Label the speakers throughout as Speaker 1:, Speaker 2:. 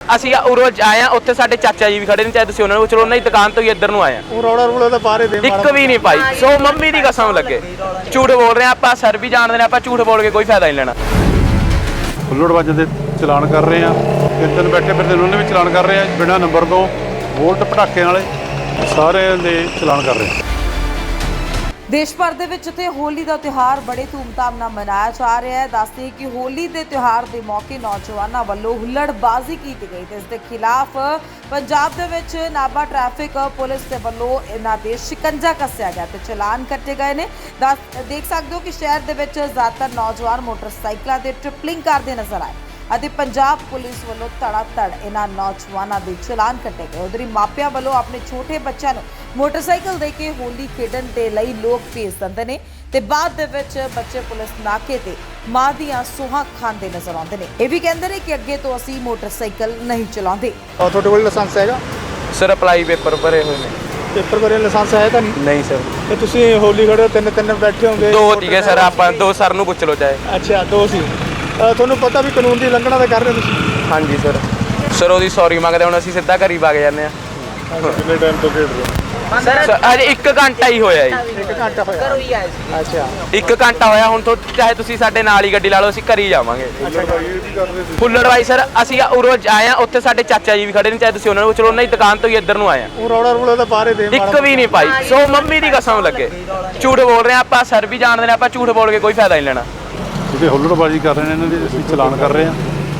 Speaker 1: ਅਸੀਂ ਉਰੋਂ ਆਏ ਆ, ਉੱਥੇ ਸਾਡੇ ਚਾਚਾ ਜੀ ਵੀ ਖੜੇ ਨੇ, ਚਾਹੇ ਤੁਸੀਂ ਉਹਨਾਂ ਨੂੰ ਚਲੋ, ਉਹਨਾਂ ਦੀ ਦੁਕਾਨ ਤੋਂ ਹੀ ਇੱਧਰ ਨੂੰ ਆਏ ਆ।
Speaker 2: ਉਹ ਰੌਲਾ ਰੂਲਾ ਤਾਂ ਬਾਹਰ ਹੀ ਦੇ
Speaker 1: ਇੱਕ ਵੀ ਨਹੀਂ ਪਾਈ, ਸੋ ਮੰਮੀ ਦੀ ਕਸਮ ਲੱਗੇ ਝੂਠ ਬੋਲ ਰਹੇ ਆ ਆਪਾਂ, ਸਰ ਵੀ ਜਾਣਦੇ ਨੇ ਆਪਾਂ ਝੂਠ ਬੋਲ ਕੇ ਕੋਈ ਫਾਇਦਾ ਨਹੀਂ ਲੈਣਾ।
Speaker 3: ਹੁੱਲੜਬਾਜ਼ਾਂ ਦੇ ਚਲਾਨ ਕਰ ਰਹੇ ਆ, ਤਿੰਨ ਬੈਠੇ ਫਿਰਦੇ ਉਹਨਾਂ ਨੇ ਵੀ ਚਲਾਨ ਕਰ ਰਹੇ ਆ, ਬਿਨਾਂ ਨੰਬਰ ਤੋਂ ਵੋਲਟ ਪਟਾਕੇ ਵਾਲੇ ਸਾਰਿਆਂ ਦੇ ਚਲਾਨ ਕਰ ਰਹੇ ਆ।
Speaker 4: ਦੇਸ਼ ਭਰ ਦੇ ਵਿੱਚ ਤੇ ਹੋਲੀ ਦਾ ਤਿਉਹਾਰ ਬੜੇ ਧੂਮਧਾਮ ਨਾਲ ਮਨਾਇਆ ਜਾ ਰਿਹਾ ਹੈ। ਦੱਸਦੇ ਕਿ ਹੋਲੀ ਦੇ ਤਿਉਹਾਰ ਦੇ ਮੌਕੇ ਨੌਜਵਾਨਾਂ ਵੱਲੋਂ ਹੁੱਲੜਬਾਜ਼ੀ ਕੀਤੀ ਗਈ ਤੇ ਇਸ ਦੇ ਖਿਲਾਫ ਪੰਜਾਬ ਦੇ ਵਿੱਚ ਨਾਭਾ ਟ੍ਰੈਫਿਕ ਪੁਲਿਸ ਦੇ ਵੱਲੋਂ ਇਹਨਾਂ ਦੇ ਸ਼ਿਕੰਜਾ ਕੱਸਿਆ ਗਿਆ ਤੇ ਚਲਾਨ ਕੱਟੇ ਗਏ ਨੇ। ਦੇਖ ਸਕਦੇ ਹੋ ਕਿ ਸ਼ਹਿਰ ਦੇ ਵਿੱਚ ਜ਼ਿਆਦਾਤਰ ਨੌਜਵਾਨ ਮੋਟਰਸਾਈਕਲਾਂ ਤੇ ਟ੍ਰਿਪਲਿੰਗ ਕਰਦੇ ਨਜ਼ਰ ਆਏ ਅਤੇ ਪੰਜਾਬ ਪੁਲਿਸ ਵੱਲੋਂ ਧੜਾ-ਧੜ ਇਹਨਾਂ ਨੌਜਵਾਨਾਂ ਦੇ ਚਲਾਨ ਕੱਟੇ ਗਏ। ਉਧਰ ਮਾਪਿਆਂ ਵੱਲੋਂ ਆਪਣੇ ਛੋਟੇ ਬੱਚਿਆਂ ਨੂੰ ਮੋਟਰਸਾਈਕਲ ਦੇ ਕੇ ਹੋਲੀ ਖੇਡਣ ਦੇ ਲਈ ਲੋਕ ਭੇਜ ਦਿੰਦੇ ਨੇ ਤੇ ਬਾਅਦ ਦੇ ਵਿੱਚ ਬੱਚੇ ਪੁਲਿਸ ਨਾਕੇ ਤੇ ਮਾਂ ਦੀਆਂ ਸੂਹਾਂ ਖਾਂਦੇ ਨਜ਼ਰ ਆਉਂਦੇ ਨੇ। ਇਹ ਵੀ ਕਹਿੰਦੇ ਨੇ ਕਿ ਅੱਗੇ ਤੋਂ ਅਸੀਂ ਮੋਟਰਸਾਈਕਲ ਨਹੀਂ ਚਲਾਉਂਦੇ।
Speaker 2: ਤੁਹਾਡੇ ਕੋਲ ਲਾਇਸੈਂਸ ਹੈਗਾ?
Speaker 1: ਸਰ ਅਪਲਾਈ ਪੇਪਰ ਭਰੇ ਹੋਏ ਨੇ।
Speaker 2: ਪੇਪਰ ਭਰੇ ਲਾਇਸੈਂਸ ਹੈ ਤਾਂ
Speaker 1: ਨਹੀਂ ਸਰ।
Speaker 2: ਤੇ ਤੁਸੀਂ ਹੋਲੀ ਖੜੇ ਹੋ, ਤਿੰਨ ਬੈਠੇ ਹੋਗੇ?
Speaker 1: ਦੋ ਸੀਗੇ ਸਰ, ਆਪਾਂ ਦੋ ਸਰ ਨੂੰ ਪੁੱਛ ਲਓ ਚਾਹੇ।
Speaker 2: ਅੱਛਾ, ਦੋ ਸੀ। ਤੁਹਾਨੂੰ ਪਤਾ ਵੀ ਕਾਨੂੰਨ ਦੀ ਉਲੰਘਣਾ ਤਾਂ ਕਰ ਰਹੇ ਹੋ ਤੁਸੀਂ?
Speaker 1: ਹਾਂਜੀ ਸਰ। ਸਰ ਉਹਦੀ ਸੌਰੀ ਮੰਗਦੇ, ਹੁਣ ਅਸੀਂ ਸਿੱਧਾ ਘਰ ਹੀ ਵਗ ਜਾਂਦੇ ਆ।
Speaker 2: ਕਿੰਨੇ ਟਾਈਮ ਤੋਂ ਖੇਡ ਰਹੇ ਹੋ?
Speaker 1: ਸਰ ਅਜੇ 1 ਘੰਟਾ ਹੀ ਹੋਇਆ ਜੀ।
Speaker 2: 1 ਘੰਟਾ ਹੋਇਆ? ਘਰੋਂ ਹੀ ਆਏ ਸੀ। ਅੱਛਾ,
Speaker 1: 1 ਘੰਟਾ ਹੋਇਆ। ਹੁਣ ਤੋਂ ਚਾਹੇ ਤੁਸੀਂ ਸਾਡੇ ਨਾਲ ਹੀ ਗੱਡੀ ਲਾ ਲਓ, ਅਸੀਂ ਘਰ ਹੀ ਜਾਵਾਂਗੇ। ਹੁੱਲੜਬਾਈ ਸਰ, ਅਸੀਂ ਉਰੋਂ ਆਏ ਆ, ਉੱਥੇ ਸਾਡੇ ਚਾਚਾ ਜੀ ਵੀ ਖੜੇ ਨੇ, ਚਾਹੇ ਤੁਸੀਂ ਉਹਨਾਂ ਨੂੰ ਚਲੋ, ਉਹਨਾਂ ਦੀ ਦੁਕਾਨ ਤੋਂ ਹੀ ਇੱਧਰ ਨੂੰ ਆਏ ਆ।
Speaker 2: ਉਹ ਰੌਲਾ ਰੂਲਾ ਤਾਂ ਬਾਹਰ ਹੀ ਦੇ
Speaker 1: ਇੱਕ ਵੀ ਨਹੀਂ ਪਾਈ, ਸੋ ਮੰਮੀ ਦੀ ਕਸਮ ਲੱਗੇ ਝੂਠ ਬੋਲ ਰਹੇ ਆ ਆਪਾਂ, ਸਰ ਵੀ ਜਾਣਦੇ ਨੇ ਆਪਾਂ ਝੂਠ ਬੋਲ ਕੇ ਕੋਈ ਫਾਇਦਾ ਨਹੀਂ ਲੈਣਾ।
Speaker 3: ਜਿਹੜੇ ਹੁੱਲੜਬਾਜ਼ੀ ਕਰ ਰਹੇ ਨੇ ਇਹਨਾਂ ਦੇ ਅਸੀਂ ਚਲਾਨ ਕਰ ਰਹੇ ਆ।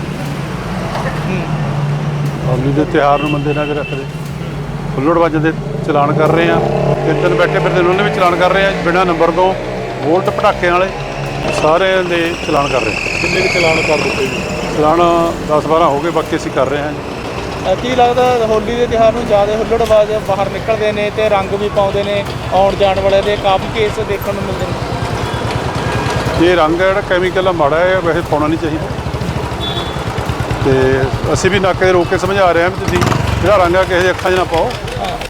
Speaker 3: ਹੋਲੀ ਦੇ ਤਿਉਹਾਰ ਨੂੰ ਮੰਦੇ ਨਜ਼ਰ ਰੱਖਦੇ ਹੁੱਲੜਬਾਜ਼ਾਂ ਦੇ ਚਲਾਨ ਕਰ ਰਹੇ ਆ, ਤਿੰਨ ਬੈਠੇ ਫਿਰਦੇ ਉਹਨਾਂ ਨੇ ਵੀ ਚਲਾਨ ਕਰ ਰਹੇ ਆ, ਬਿਨਾਂ ਨੰਬਰ ਤੋਂ ਵੋਲਟ ਪਟਾਕੇ ਵਾਲੇ ਸਾਰਿਆਂ ਦੇ ਚਲਾਨ ਕਰ ਰਹੇ ਆ।
Speaker 2: ਕਿੰਨੇ ਚਲਾਨ ਕਰ ਦਿੱਤੇ ਜੀ?
Speaker 3: ਚਲਾਨ 10-12 ਹੋ ਗਏ, ਬਾਕੀ ਅਸੀਂ ਕਰ ਰਹੇ ਹਾਂ ਜੀ।
Speaker 2: ਕੀ ਲੱਗਦਾ ਹੋਲੀ ਦੇ ਤਿਉਹਾਰ ਨੂੰ ਜ਼ਿਆਦਾ ਹੁੱਲੜਬਾਜ਼ ਬਾਹਰ ਨਿਕਲਦੇ ਨੇ ਤੇ ਰੰਗ ਵੀ ਪਾਉਂਦੇ ਨੇ, ਆਉਣ ਜਾਣ ਵਾਲੇ ਦੇ ਕਾਫੀ ਕੇਸ ਦੇਖਣ ਨੂੰ ਮਿਲਦੇ ਨੇ?
Speaker 3: ਇਹ ਰੰਗ ਹੈ ਜਿਹੜਾ ਕੈਮੀਕਲ ਆ, ਮਾੜਾ ਹੈ, ਵੈਸੇ ਪਾਉਣਾ ਨਹੀਂ ਚਾਹੀਦਾ। ਤੇ ਅਸੀਂ ਵੀ ਨਾਕੇ ਰੋਕ ਕੇ ਸਮਝਾ ਰਹੇ ਹਾਂ ਵੀ ਤੁਸੀਂ ਜਿਹੜਾ ਰੰਗ ਆ ਕਿਸੇ ਦੀ ਅੱਖਾਂ 'ਚ ਨਾ ਪਾਓ।